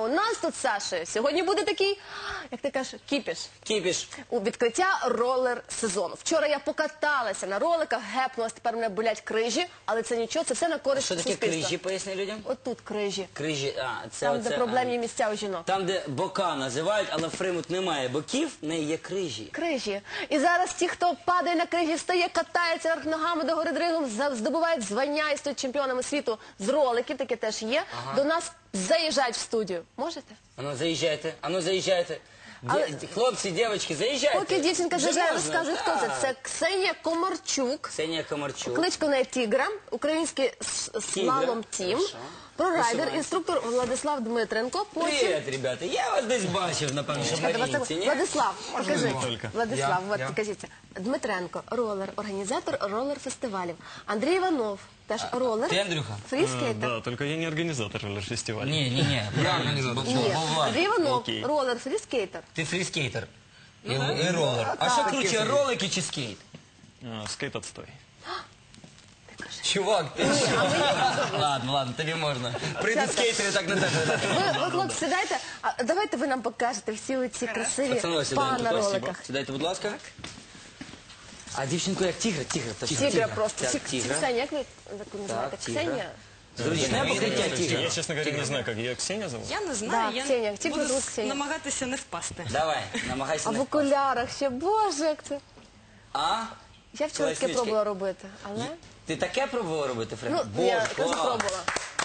у нас тут, Саша, сьогодні буде такий, як ти кажеш, кіпіш. Кіпіш. У відкриття ролер-сезону. Вчора я покаталася на роликах, гепнулась, тепер мене болять крижі, але це нічого, це все на користь Що таке суспільства. крижі, поясни людям? Отут крижі. Крижі, це Там, де оце, проблемні місця у жінок. Там, де бока називають, але в Фримут немає боків, в неї є крижі. Крижі. І зараз ті, хто падає на крижі, встає, катається вверх ногами до гори дригом, здобувають звання і стають чемпіонами світу з роликів, таке теж є. До нас заїжджають в студію. Можете? Ану заїжджайте. Хлопці, дівчатки, заїжджайте. Поки дівчинка Вже заїжджає, можна? розказує, хто це. Це Ксенія Комарчук. Ксенія Комарчук. Кличко неї Тігра, український слалом тім, прорайдер, інструктор Владислав Дмитренко. Привіт, ребята. Я вас десь бачив, напевно, що в Марінці, ні? Владислав, покажи. Тільки. Владислав, от покажіться. Дмитренко, ролер, організатор ролер-фестивалів. Андрій Іванов, теж ролер. Ти, Андрюха? Фріскейтер. Да, только я не организатор роллер-фестиваля. Ні, правильно. Ні, Андрій Іванов, Окей. ролер, фріскейтер. Ти фріскейтер. І ролер. А що круче, ролики чи скейт? Скейт отстой. Чувак, ти що? Ладно, тобі можна. Прийдуть скейтери, так на тебе. Ви, хлопці, сідайте, а давайте ви нам покажете всі оці красиві Пацани, па на сідайте, роликах. сідайте, будь ласка. А дівчинку як тігр? Тігра просто. Так, тігра. Ксенія, як ви таку називаєте? тігра. Ксенія? Зручне покриття тігра. Я, честно говоря, не знаю, как ее Ксения зовут. Я не знаю, Да, я Ксенія, тільки буду звуть Ксенія. намагатися не впасти. Давай, намагайся А не в впасти. окулярах ще, боже, як це. А? Я вчора таке Класнючки. пробувала робити, але... Ти таке пробувала робити, Фред? Ну, я теж клас. пробувала.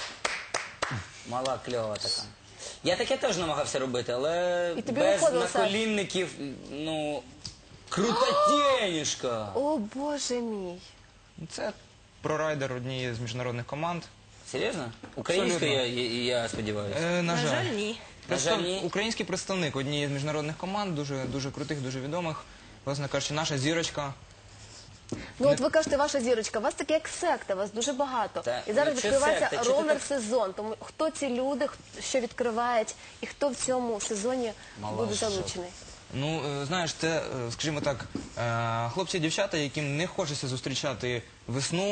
Мала кльова така. Я таке теж намагався робити, але І тобі без виходило, Саш? наколінників, ну, крутотєнішка. О, боже мій. Це прорайдер однієї з міжнародних команд. Серйозно? Українською, я сподіваюся. На На жаль, жаль. ні. На жаль, ні. Український представник однієї з міжнародних команд, дуже крутих, дуже відомих. Власне кажучи, наша зірочка. Ну от ви кажете, ваша зірочка, у вас таке як секта, вас дуже багато. Так, І зараз ну, що відкривається секта? Чи ти ролер-сезон. Тому хто ці люди, що відкривають, і хто в цьому сезоні буде залучений? Ну, знаєш, це, скажімо так, хлопці і дівчата, яким не хочеться зустрічати весну.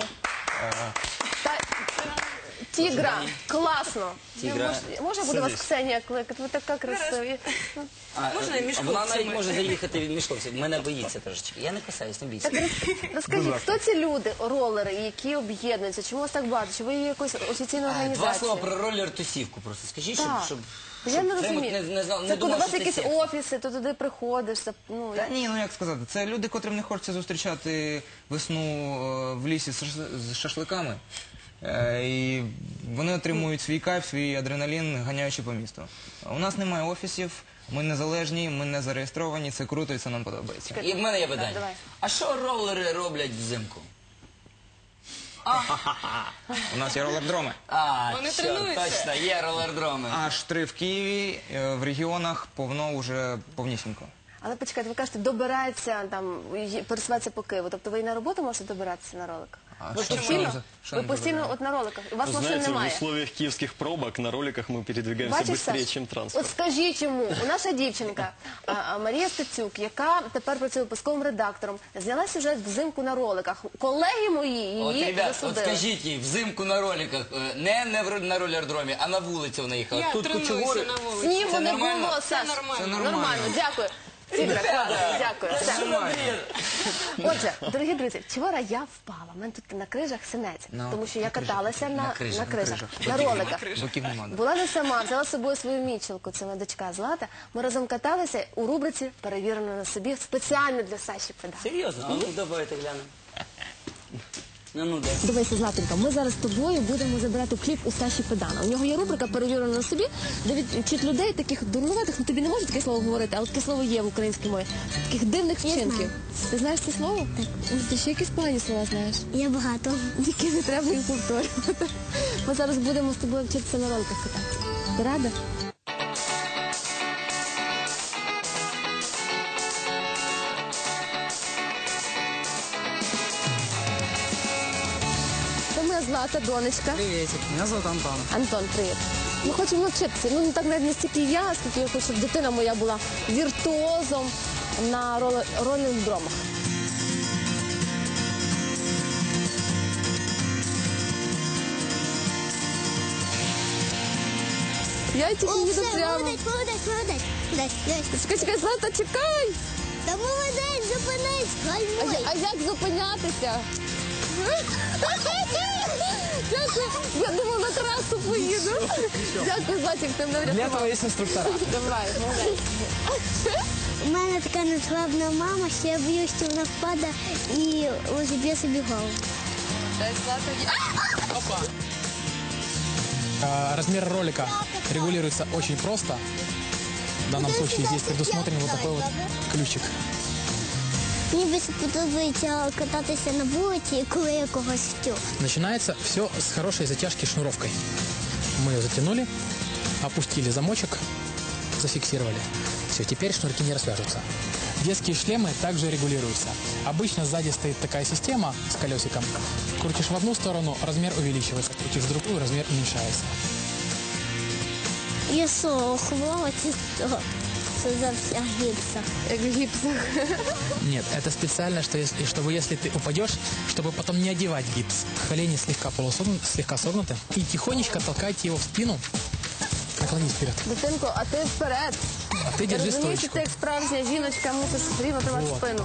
Тігра, класно. Тігра. Може буде вас Ксенія кликати? Ви така красиві. Можна і між Вона навіть хлопцями? може заїхати між хлопців. Мене боїться трошечки. Я не касаюсь, не бійся. Так розкажіть, хто ці люди, ролери, які об'єднуються? Чому вас так багато? Чи ви є якоюсь офіційною Два організацією? слова про ролер-тусівку просто скажіть, Так. щоб Я не Фримут розумію. не Це коли у думав, вас що якісь це секта. офіси, то туди приходиш. Ну, Та ні, ну як сказати, це люди, котрим не хочеться зустрічати весну в лісі з шашликами. І вони отримують свій кайф, свій адреналін, ганяючи по місту. У нас немає офісів, ми незалежні, ми не зареєстровані, це круто і це нам подобається. І в мене є давай. питання. А що ролери роблять взимку? У нас є ролердроми. Вони що, тренуються. точно, є ролердроми. Аж 3 в Києві, в регіонах повно вже повнісінько. Але почекайте, ви кажете, добирається, там, пересуватися по Києву. Тобто ви і на роботу можете добиратися на роликах? Ви що постійно? що Ви не постійно от на роликах? У вас Вы машин знаете, в немає? условиях киевских пробок на роликах мы передвигаемся Бачиш, быстрее, Саш? чем От транспорт. скажіть йому, наша дівчинка Марія Стецюк, яка тепер працює випусковим редактором, зняла сюжет взимку на роликах. Колеги мої От, її ребят, от засудили. скажіть їй, взимку на роликах, не на ролердромі, а на вулиці вона їхала. Я Тут тренуюся кучугури. на вулиці. Снігу Це не нормально? було, Саш. нормально. Нормально, дякую. Тігра, класно, дякую. Все. Отже, дорогі друзі, вчора я впала. У мене тут на крижах синець, тому що я каталася на крижах, на роликах. Боків нема. Була не сама, взяла з собою свою мічелку, це моя дочка Злата. Ми разом каталися у рубриці «Перевірено на собі» спеціально для Саші Педа. Серйозно? А ну давайте глянемо. Ну, дай. Дивися, Златенька, ми зараз з тобою будемо забирати кліп у Саші Педана. У нього є рубрика «Перевірено на собі», де вчить людей таких дурнуватих, ну тобі не можу таке слово говорити, але таке слово є в українській мові, таких дивних вчинків. Ти знаєш це слово? Так. Ти ще якісь погані слова знаєш? Я багато. Які не треба їх повторювати. Ми зараз будемо з тобою вчитися на роликах кататися. Ти рада? Це моя Злата, донечка. Приветик, меня зовут Антон. Антон, привіт. Ми хочемо навчитися. Ну, не так навіть не стільки я, скільки я хочу, щоб дитина моя була віртуозом на роллер-дромах. Я тільки О, їду все, прямо. молодець, молодець, молодець. Молодець, дивись. Чекай, чекай, Злата, чекай! Та молодець, зупинись, гальмуй. А як зупинятися? Дякую. Я думала, на трасу поїду. Дякую, Златик, ти мене Для врятував. того є інструктора. Давай, молодець. У мене така незглавна мама, що я боюсь, що вона впаде і розіб'є собі голову. Размер ролика регулируется очень просто. В данном случае здесь предусмотрен вот такой вот ключик. Мені більше подобається кататися на вулиці, коли я когось втю. Начинается все с хорошей затяжки шнуровкой. Мы ее затянули, опустили замочек, зафиксировали. Все, теперь шнурки не развяжутся. Детские шлемы также регулируются. Обычно сзади стоит такая система с колесиком. Крутишь в одну сторону, размер увеличивается. Крутишь в другую, размер уменьшается. Я що, хвала чи що? Що за вся гіпса? Як в гіпсах. Нет, это специально, чтобы если ты упадешь, чтобы потом не одевать гипс. Колени слегка согнуты. И тихонечко толкайте его в спину. Наклонись вперед. Дитинко, а ти вперед. А ты Я держи розумію, що стоечку. ти як справжня жіночка мусиш рівно тримати Вот. спину.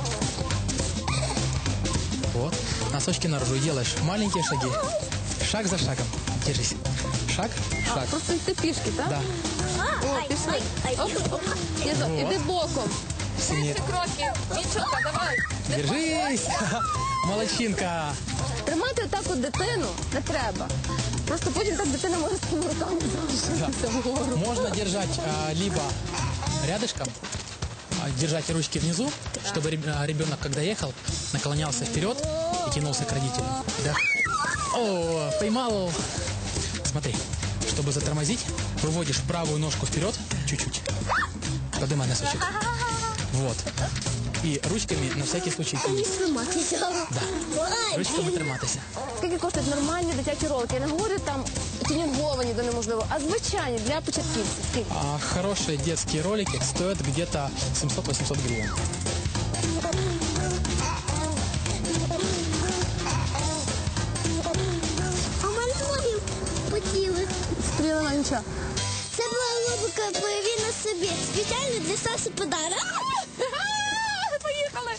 Вот. Носочки наружу. И делаешь маленькие шаги. Шаг за шагом. Держись. Шаг, шаг. Просто йти пішки, так? Да. О, пішли. Оп, оп. Іди боком. Сильнее. Кроки. Дівчинка, давай. Держись. Молодчинка. Тримати отак от дитину не треба. Просто потім так дитина може своїми руками залишитися вгору. Можно держать либо рядышком, держать ручки внизу, чтобы ребенок, когда ехал, наклонялся вперед и тянулся к родителям. Да. О, поймал. Смотри, чтобы затормозить, выводишь правую ножку вперед, чуть-чуть. Поднимай носочек. Вот. И ручками на всякий случай тянись. Триматися. Да. Ручками триматися. Скільки коштують нормальні дитячі ролики? Я не говорю там тюнінговані до неможливо, а звичайні для початківців. Скільки? Хорошие детские ролики стоят где-то 700-800 гривен. А в мене ноги потіли. Стріла нічого. Це була рубрика «Прояви на собі». Спеціально для Саші подарок. Поїхали!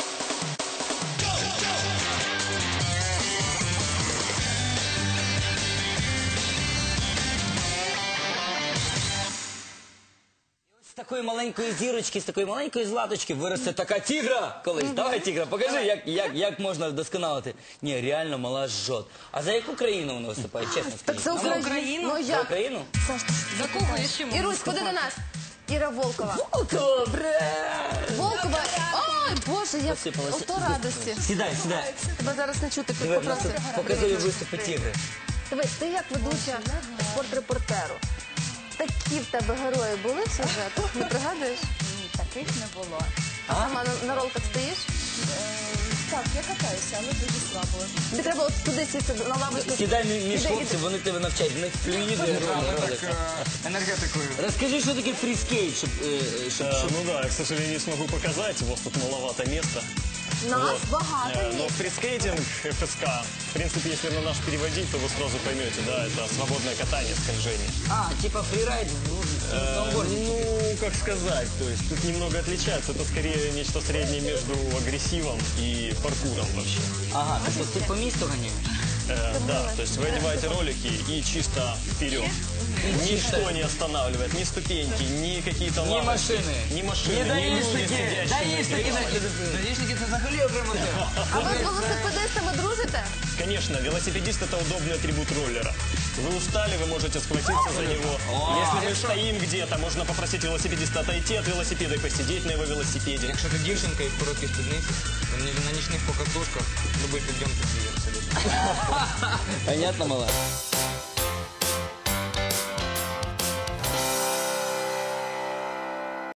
З такої маленької зірочки, з такої маленької златочки виросте така тігра колись. Давай, тігра, покажи, як можна вдосконалити. Ні, реально мала жжот. А за яку країну вона виступає, чесно Так скажіть? за Україну? Ну За як? Україну? За кого я ще можу Ірусь, ходи до нас. Іра Волкова. Добре! Волкова. Ой, Боже, як Посипалася. ото радості. Сідай, сідай. Тебе зараз не чути. Диви, в нас тут показує виступи тігри. Дивись, ти як ведуча спортрепортеру. Такі в тебе герої були в сюжетах? Не пригадуєш? Ні, таких не було. А сама на ролках стоїш? Так, я катаюся, але дуже слабо. Тобі треба от туди сісти на лавочку. Сідай між Іди, хлопців, вони тебе навчають. В них флюїди ролик. Енергетикою. Розкажи, що таке фріскейт, щоб Ну да, я, к сожалению, не смогу показать, у вас тут маловато места. Нас багато Но є. фрискейтинг, ФСК, в принципе, если на наш переводить, то вы сразу поймете, да, это свободное катание, скольжение. А, типа фрирайд в сноуборде. Ну, как сказать, то есть тут немного отличается, это скорее нечто среднее между агрессивом и паркуром вообще. Ага, тобто ти по місту ганяєш? Да, то есть вы одеваете ролики и чисто вперед. Ничто не останавливает, ни ступеньки, ни какие-то Ні лавочки, машини. ни машины, ни люди, сидящие. Даїшники, даїшники це взагалі окрема тема. А ви з велосипедистами дружите? Конечно, велосипедист – это удобный атрибут роллера. Вы устали, вы можете схватиться за него. Если мы стоим где-то, можно попросить велосипедиста отойти от велосипеда и посидеть на его велосипеде. Якщо ти дівчинка і в короткій спідниці, на нічних покатушках любий підйом підвів абсолютно. Понятно, мала?